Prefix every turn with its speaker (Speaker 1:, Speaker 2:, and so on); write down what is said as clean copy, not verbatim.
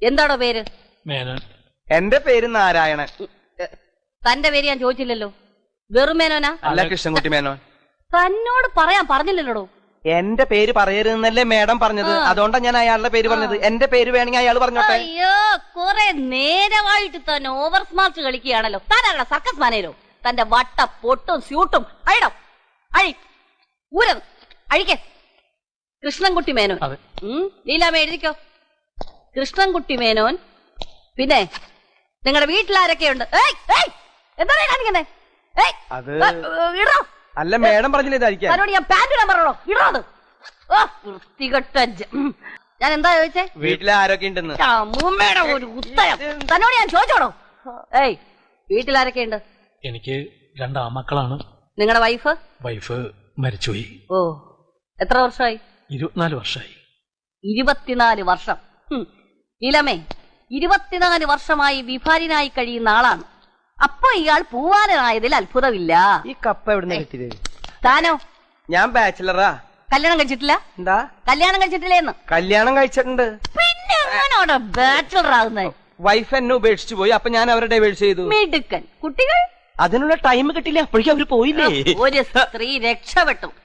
Speaker 1: എന്താണോ പേര്?
Speaker 2: മേനോൻ.
Speaker 3: എന്റെ പേര് നാരായണൻ.
Speaker 1: തന്റെ പേര് ഞാൻ ചോദിച്ചില്ലല്ലോ. വെറും മേനോനാ?
Speaker 3: അല്ല, കൃഷ്ണൻകുട്ടി മേനോൻ.
Speaker 1: തന്നോട് പറയാൻ പറഞ്ഞില്ലല്ലോ.
Speaker 3: എന്റെ പേര് പറയരുതെന്നല്ലേ മേഡം പറഞ്ഞത്, അതുകൊണ്ടാണ് ഞാൻ അയാളുടെ പേര് പറഞ്ഞത്. എന്റെ പേര് വേണമെങ്കിൽ അയാൾ പറഞ്ഞോട്ടെ.
Speaker 1: അയ്യോ, കുറെ നേരമായിട്ട് തന്നെ ഓവർ സ്മാർട്ട് കളിക്കുകയാണല്ലോ. താനാണോ സർക്കസ് മാനേരോ? തന്റെ വട്ട പൊട്ടും സ്യൂട്ടും അഴിടോ, അഴി ഊരം അഴിക്കേ. കൃഷ്ണൻകുട്ടി മേനോൻ. ലീലാമ്മ എഴുതിക്കോ, കൃഷ്ണൻകുട്ടി മേനോൻ. പിന്നെ നിങ്ങളുടെ വീട്ടിലാരൊക്കെയുണ്ട്? എന്താ കാണിക്കുന്നേ? ഇടോ.
Speaker 3: അല്ല, മേഡം പറഞ്ഞില്ല ഇതായിരിക്കും.
Speaker 1: തന്നോട് ഞാൻ പാന്റ് ഇടാൻ പറഞ്ഞോ, ഇടോ അത്. വൃത്തികെട്ട. ഞാൻ എന്താ ചോദിച്ചേ?
Speaker 3: വീട്ടിൽ ആരൊക്കെ ഉണ്ടെന്ന്.
Speaker 1: അമ്മൂമ്മയുടെ ഒരു ഉത്തരം തന്നോട് ഞാൻ ചോദിച്ചോടോ. വീട്ടിലാരൊക്കെയുണ്ട്?
Speaker 2: എനിക്ക് 2 ആമക്കളാണ്.
Speaker 1: നിങ്ങളുടെ വൈഫ്?
Speaker 2: വൈഫ് മരിച്ചുപോയി.
Speaker 1: ഓ, എത്ര വർഷമായി?
Speaker 2: 24 വർഷമായി.
Speaker 1: 24 വർഷം. ലീലാമ്മേ, 24 വർഷമായി വിഭാര്യനായി കഴിയുന്ന ആളാണ്. അപ്പൊ ഇയാൾ പൂവാലനായതിൽ അത്ഭുതമില്ല.
Speaker 3: ഈ കപ്പ എവിടുന്ന് കിട്ടിയത്?
Speaker 1: താനോ?
Speaker 3: ഞാൻ ബാച്ചിലറാ.
Speaker 1: കല്യാണം കഴിച്ചിട്ടില്ല?
Speaker 3: എന്താ
Speaker 1: കല്യാണം കഴിച്ചിട്ടില്ലേന്ന്?
Speaker 3: കല്യാണം കഴിച്ചിട്ടുണ്ട്.
Speaker 1: പിന്നെ എങ്ങനെയാണോ ബാച്ചിലർ ആകുന്നത്?
Speaker 3: വൈഫ് എന്നെ ഉപേക്ഷിച്ചു പോയി, അപ്പൊ ഞാൻ അവരെ ഡൈവേഴ്സ് ചെയ്തു.
Speaker 1: മിടുക്കൻ. കുട്ടികൾ?
Speaker 3: അതിനുള്ള ടൈം കിട്ടില്ല, അപ്പോഴേക്കും അവര് പോയില്ലേ.
Speaker 1: ഒരു സ്ത്രീ രക്ഷപ്പെട്ടു.